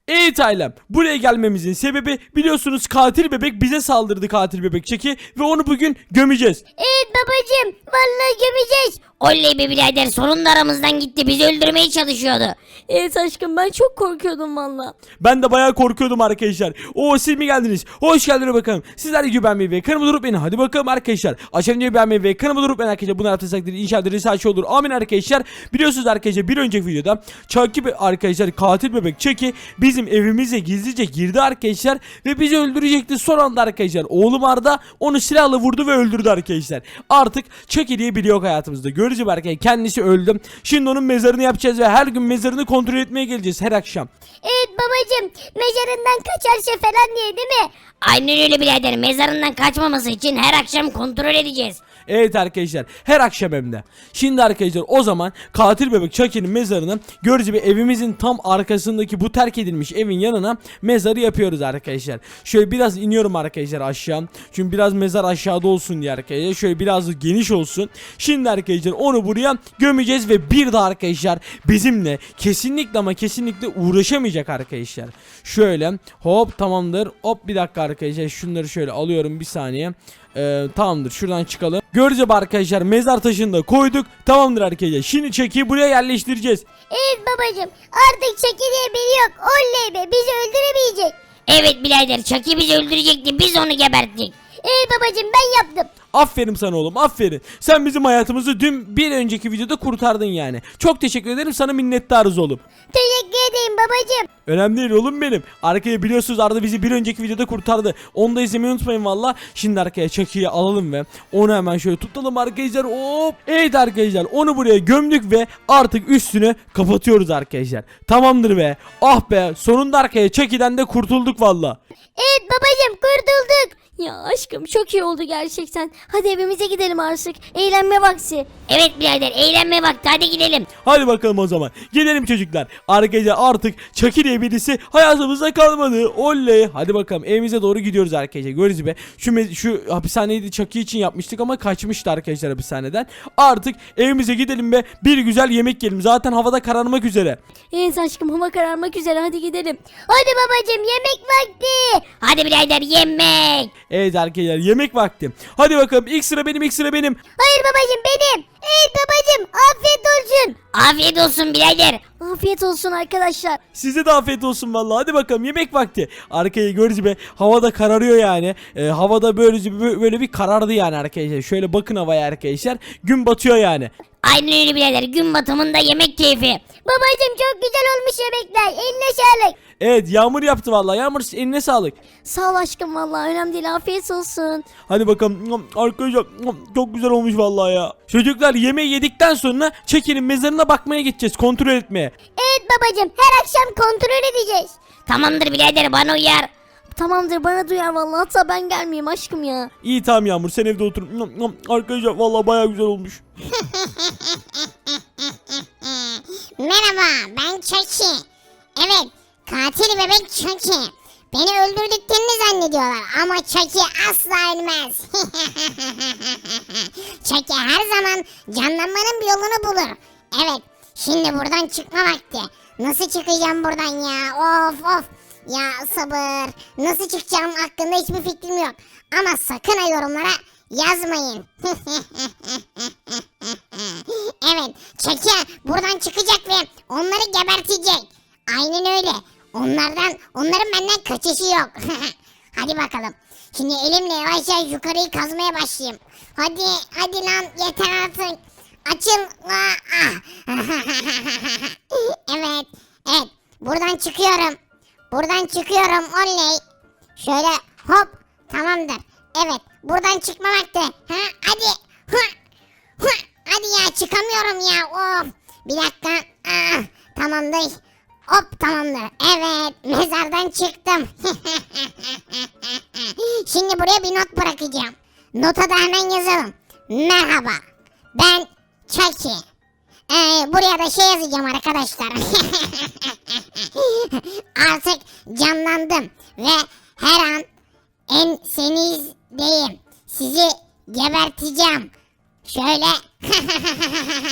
Evet ailem, buraya gelmemizin sebebi biliyorsunuz katil bebek bize saldırdı, katil bebek Çeki, ve onu bugün gömeceğiz. Evet babacım, vallahi gömeceğiz. Oley be birader, sonunda aramızdan gitti, bizi öldürmeye çalışıyordu. Evet aşkım, ben çok korkuyordum valla. Ben de bayağı korkuyordum arkadaşlar. Oo, siz mi geldiniz? Hoş geldiniz bakalım. Sizler de beğenmeyi ve kanalıma durup beni. Hadi bakalım arkadaşlar. Aşağı videoyu beğenmeyi ve kanalıma durup beni arkadaşlar. Bunu yaptıysak inşallah risa olur. Amin arkadaşlar. Biliyorsunuz arkadaşlar, bir önceki videoda Chucky arkadaşlar, katil bebek Chucky bizim evimize gizlice girdi arkadaşlar ve bizi öldürecekti. Son anda arkadaşlar oğlum Arda onu silahla vurdu ve öldürdü arkadaşlar. Artık Chucky diye biri yok hayatımızda. Göreceğiz arkadaşlar, kendisi öldü. Şimdi onun mezarını yapacağız ve her gün mezarını kontrol etmeye geleceğiz her akşam. Evet babacım, mezarından kaçarsa falan diye değil mi? Aynen öyle birader, mezarından kaçmaması için her akşam kontrol edeceğiz. Evet arkadaşlar, her akşam hem de. Şimdi arkadaşlar o zaman katil bebek Chucky'nin mezarını görücü bir evimizin tam arkasındaki bu terk edilmiş evin yanına mezarı yapıyoruz arkadaşlar. Şöyle biraz iniyorum arkadaşlar aşağı. Çünkü biraz mezar aşağıda olsun diye arkadaşlar. Şöyle biraz geniş olsun. Şimdi arkadaşlar onu buraya gömeceğiz ve bir daha arkadaşlar bizimle kesinlikle ama kesinlikle uğraşamayacak arkadaşlar. Şöyle hop, tamamdır. Hop, bir dakika arkadaşlar, şunları şöyle alıyorum bir saniye. Tamamdır, şuradan çıkalım. Göreceğiz arkadaşlar, mezar taşını da koyduk. Tamamdır arkadaşlar, şimdi Chucky'yi buraya yerleştireceğiz. Evet babacım, artık Chucky diye biri yok. Oley be, bizi öldüremeyecek. Evet birader, Chucky bizi öldürecekti, biz onu geberttik. Evet babacım, ben yaptım. Aferin sana oğlum, aferin. Sen bizim hayatımızı dün bir önceki videoda kurtardın yani. Çok teşekkür ederim, sana minnettarız oğlum. Teşekkür ederim babacım. Önemli değil oğlum benim. Arkaya biliyorsunuz Arda bizi bir önceki videoda kurtardı. Onu da izlemeyi unutmayın valla. Şimdi arkaya Chucky'yi alalım ve onu hemen şöyle tutalım arkadaşlar. Hop. Evet arkadaşlar, onu buraya gömdük ve artık üstünü kapatıyoruz arkadaşlar. Tamamdır be. Ah be, sonunda arkaya Chucky'den de kurtulduk valla. Evet babacım, kurtulduk. Ya aşkım, çok iyi oldu gerçekten. Hadi evimize gidelim artık. Eğlenme vakti. Evet birader, eğlenme vakti, hadi gidelim. Hadi bakalım o zaman. Gidelim çocuklar. Arkadaşlar artık Chucky diye birisi hayatımızda kalmadı. Oley. Hadi bakalım, evimize doğru gidiyoruz arkadaşlar. Görüyoruz be. Şu hapishaneyi de Chucky için yapmıştık ama kaçmıştı arkadaşlar hapishaneden. Artık evimize gidelim ve bir güzel yemek yiyelim. Zaten havada kararmak üzere. Evet aşkım, hava kararmak üzere, hadi gidelim. Hadi babacım, yemek vakti. Hadi birader, yemek. Evet arkadaşlar, yemek vakti. Hadi bakalım, ilk sıra benim, ilk sıra benim. Hayır babacım, benim. Evet babacım, afiyet olsun. Afiyet olsun birader. Afiyet olsun arkadaşlar. Size de afiyet olsun vallahi. Hadi bakalım, yemek vakti. Arkayı görüyoruz be. Havada kararıyor yani. Havada böyle bir karardı yani arkadaşlar. Şöyle bakın havaya arkadaşlar. Gün batıyor yani. Aynen öyle birader, gün batımında yemek keyfi. Babacım, çok güzel olmuş yemekler. Eline sağlık. Evet, Yağmur yaptı vallahi. Yağmur, eline sağlık. Sağ ol aşkım, vallahi önemli değil, afiyet olsun. Hadi bakalım arkadaşlar, çok güzel olmuş vallahi ya. Çocuklar, yemeği yedikten sonra Chucky'nin mezarına bakmaya gideceğiz, kontrol etmeye. Evet babacım, her akşam kontrol edeceğiz. Tamamdır birader, bana uyar. Tamamdır, bana duyar vallahi, hatta ben gelmeyeyim aşkım ya. İyi tamam Yağmur, sen evde otur. Arkadaşlar vallahi bayağı güzel olmuş. Merhaba, ben Chucky. Evet, katil bebek Chucky. Beni öldürdüklerini zannediyorlar ama Chucky asla ölmez. Chucky her zaman canlanmanın bir yolunu bulur. Evet, şimdi buradan çıkma vakti. Nasıl çıkacağım buradan ya? Of of. Ya sabır. Nasıl çıkacağım hakkında hiçbir fikrim yok. Ama sakın ha yorumlara yazmayın. Evet, Chucky buradan çıkacak ve onları gebertecek. Aynen öyle. Onların benden kaçışı yok. Hadi bakalım. Şimdi elimle yavaş yavaş yukarıyı kazmaya başlayayım. Hadi lan, yeter artık. Açıl. Evet. Buradan çıkıyorum. Oley. Şöyle hop. Tamamdır. Evet. Buradan çıkma vakti. Hadi. Hadi ya, çıkamıyorum ya. Of. Bir dakika. Tamamdır. Hop, tamamdır. Evet, mezardan çıktım. Şimdi buraya bir not bırakacağım. Nota da hemen yazalım. Merhaba, ben Chucky. Buraya da şey yazacağım arkadaşlar. Artık canlandım ve her an ensenizdeyim. Sizi geberteceğim. Şöyle.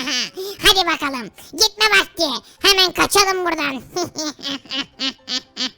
Hadi bakalım. Gitme vakti. Hemen kaçalım buradan.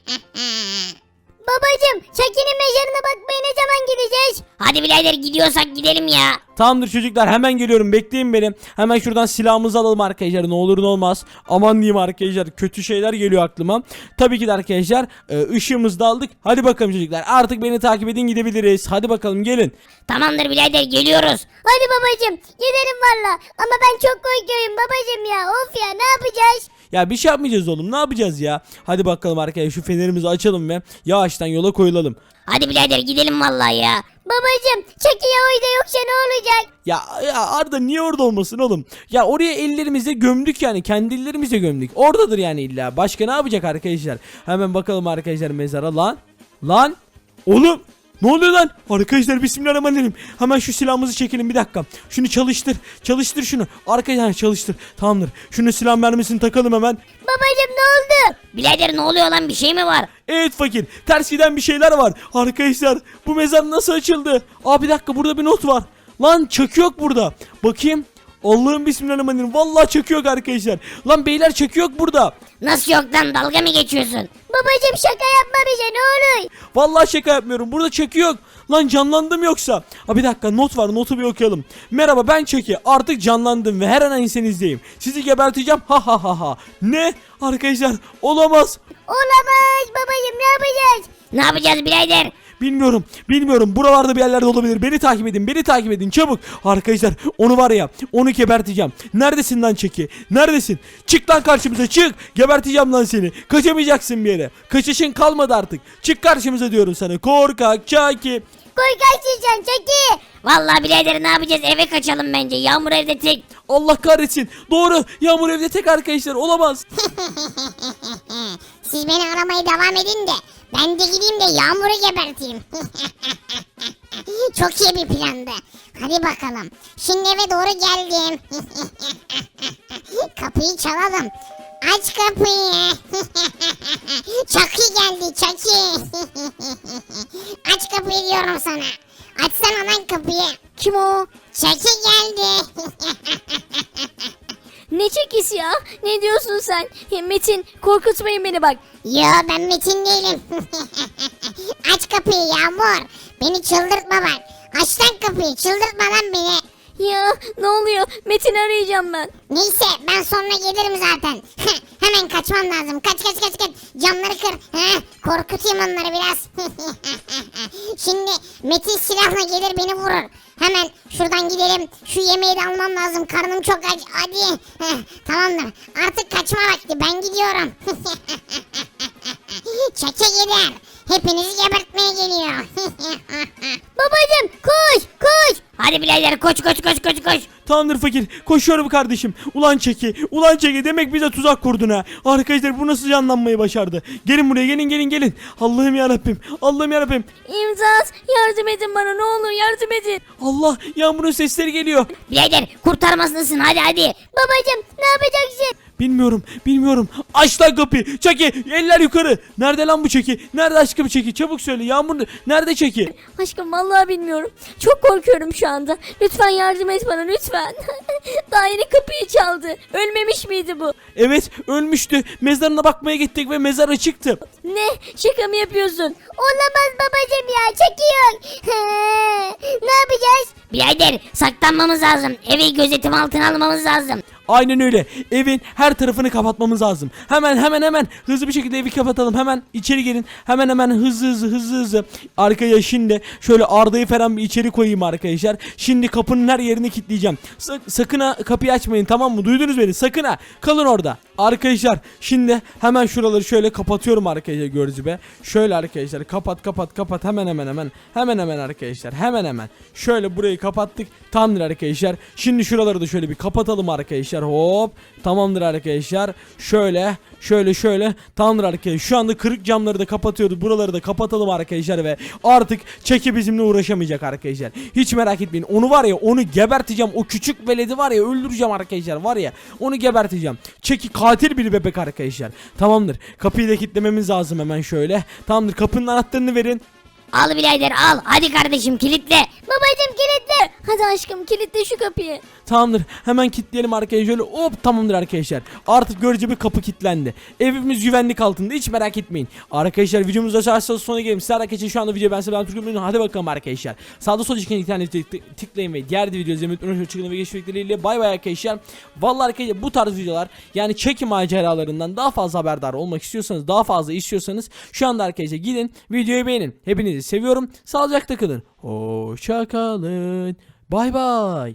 birader gidiyorsak gidelim ya. Tamamdır çocuklar, hemen geliyorum, bekleyin beni. Hemen şuradan silahımızı alalım arkadaşlar, ne olur ne olmaz. Aman diyeyim arkadaşlar, kötü şeyler geliyor aklıma. Tabii ki de arkadaşlar ışığımızı da aldık. Hadi bakalım çocuklar, artık beni takip edin, gidebiliriz. Hadi bakalım gelin. Tamamdır birader geliyoruz. Hadi babacım gidelim valla. Ama ben çok korkuyorum babacım ya. Of ya, ne yapacağız? Ya bir şey yapmayacağız oğlum, ne yapacağız ya. Hadi bakalım arkadaşlar, şu fenerimizi açalım ve yavaştan yola koyulalım. Hadi birader gidelim vallahi ya. Babacım Chucky ya orada yoksa ne olacak? Ya Arda, niye orada olmasın oğlum? Ya oraya ellerimizle gömdük, yani kendi ellerimizle gömdük. Oradadır yani illa. Başka ne yapacak arkadaşlar? Hemen bakalım arkadaşlar mezara. Lan oğlum, ne oluyor lan? Arkadaşlar bismillahirrahmanirrahim. Hemen şu silahımızı çekelim, bir dakika. Şunu çalıştır şunu. Arkadaşlar çalıştır. Tamamdır. Şunu silah mermisini takalım hemen. Babacım ne oldu? Birader ne oluyor lan, bir şey mi var? Evet fakir, ters giden bir şeyler var. Arkadaşlar bu mezar nasıl açıldı? Aa bir dakika, burada bir not var. Lan çakı yok burada. Bakayım. Allah'ım bismillahirrahmanirrahim. Vallahi çakı yok arkadaşlar. Lan beyler, çakı yok burada. Nasıl yok lan, dalga mı geçiyorsun? Babacım şaka yapma bize ne olur. Vallahi şaka yapmıyorum. Burada çakı yok. Lan canlandım yoksa. Ha bir dakika, not var, notu bir okuyalım. Merhaba, ben Çeki. Artık canlandım ve her an ensenizdeyim. Sizi geberteceğim. Ha ha ha ha. Ne? Arkadaşlar olamaz. Olamaz babacım, ne yapacağız? Ne yapacağız birader? Bilmiyorum. Buralarda bir yerlerde olabilir. Beni takip edin çabuk. Arkadaşlar onu var ya, onu geberteceğim. Neredesin lan Çeki? Neredesin? Çık lan karşımıza, çık. Geberteceğim lan seni. Kaçamayacaksın bir yere. Kaçışın kalmadı artık. Çık karşımıza diyorum sana. Korkak Çeki. Korkaksın sen Chucky. Vallahi birader ne yapacağız, eve kaçalım bence, Yağmur evde tek. Allah kahretsin. Doğru. Yağmur evde tek arkadaşlar. Olamaz. Siz beni aramaya devam edin de ben de gideyim de Yağmur'u geberteyim. Çok iyi bir plandı. Hadi bakalım. Şimdi eve doğru geldim. Kapıyı çalalım. Aç kapıyı. Chucky geldi, Chucky. Aç kapıyı diyorum sana. Açsana lan kapıyı. Kim o? Chucky geldi. Ne çekisi ya? Ne diyorsun sen? Metin korkutmayın beni bak. Yo, ben Metin değilim. Aç kapıyı Yağmur. Beni çıldırtma bak. Aç lan kapıyı, çıldırtma lan beni. Ya ne oluyor? Metin'i arayacağım ben. Neyse, ben sonra gelirim zaten. Hemen kaçmam lazım. Kaç. Camları kır. Korkutayım onları biraz. Şimdi Metin silahla gelir beni vurur. Hemen şuradan gidelim. Şu yemeği de almam lazım. Karnım çok aç. Hadi. Tamamdır. Artık kaçma vakti. Ben gidiyorum. Çeke gider. Hepinizi gebertmeye geliyor. Babacım koş. Hadi birader koş. Tamamdır fakir. Koşuyorum kardeşim. Ulan Çeki. Demek bize tuzak kurdun ha. Arkadaşlar bu nasıl canlanmayı başardı? Gelin buraya, gelin. Allah'ım yarabbim. İmdat, yardım edin bana, ne olur yardım edin. Allah, Yağmur'un sesleri geliyor. Birader kurtarmasındasın, hadi. Babacım ne yapacaksın? Bilmiyorum. Aç lan kapıyı. Çeki, eller yukarı. Nerede lan bu Çeki? Nerede aşkım Çeki? Çabuk söyle. Yağmur nerede Çeki? Aşkım vallahi bilmiyorum. Çok korkuyorum şu anda. Lütfen yardım et bana, lütfen. Daha yeni kapıyı çaldı. Ölmemiş miydi bu? Evet, ölmüştü. Mezarına bakmaya gittik ve mezar açıktı. Ne? Şaka mı yapıyorsun? Olamaz babacım ya, Chucky yok. Ne yapacağız? Birader saklanmamız lazım, evi gözetim altına almamız lazım. Aynen öyle. Evin her tarafını kapatmamız lazım. Hemen hızlı bir şekilde evi kapatalım. Hemen içeri gelin. Hemen hızlı. Arkaya şimdi şöyle Arda'yı falan bir içeri koyayım arkadaşlar. Şimdi kapının her yerini kilitleyeceğim. Sakın ha kapıyı açmayın, tamam mı? Duydunuz beni? Sakın ha. Kalın orada. Arkadaşlar şimdi hemen şuraları şöyle kapatıyorum arkadaşlar, gördüğünüz gibi. Şöyle arkadaşlar kapat. Hemen arkadaşlar. Hemen. Şöyle burayı kapattık. Tamamdır arkadaşlar. Şimdi şuraları da şöyle bir kapatalım arkadaşlar. Hop. Tamamdır arkadaşlar. Şöyle. Tamamdır arkadaşlar. Şu anda kırık camları da kapatıyoruz. Buraları da kapatalım arkadaşlar ve artık Çeki bizimle uğraşamayacak arkadaşlar. Hiç merak etmeyin. Onu var ya, onu geberteceğim. O küçük veledi var ya, öldüreceğim arkadaşlar. Var ya, onu geberteceğim. Çeki katil bir bebek arkadaşlar. Tamamdır. Kapıyı da kilitlememiz lazım hemen şöyle. Tamamdır. Kapının anahtarını verin. Al birader al, hadi kardeşim kilitle. Babacım kilitle. Hadi aşkım kilitle şu kapıyı. Tamamdır. Hemen kilitleyelim arkadaşlar. Şöyle hop, tamamdır arkadaşlar. Artık görece bir kapı kilitlendi. Evimiz güvenlik altında. Hiç merak etmeyin. Arkadaşlar videomuza açarsanız sonuna gelelim. Sizler arkadaşlar şu anda videoyu ben size Türk'üm. Hadi bakalım arkadaşlar. Sağda solda çıkan internete tıklayın ve diğer videoyu izlemeyi unutmayın. Çıkın ve geçmekleriyle bay bay arkadaşlar. Vallahi arkadaşlar bu tarz videolar, yani çeki maceralarından daha fazla haberdar olmak istiyorsanız, daha fazla istiyorsanız şu anda arkadaşlar gidin videoyu beğenin. Hepinizi seviyorum. Sağlıcakla kalın. Hoşça kalın. Bay bay.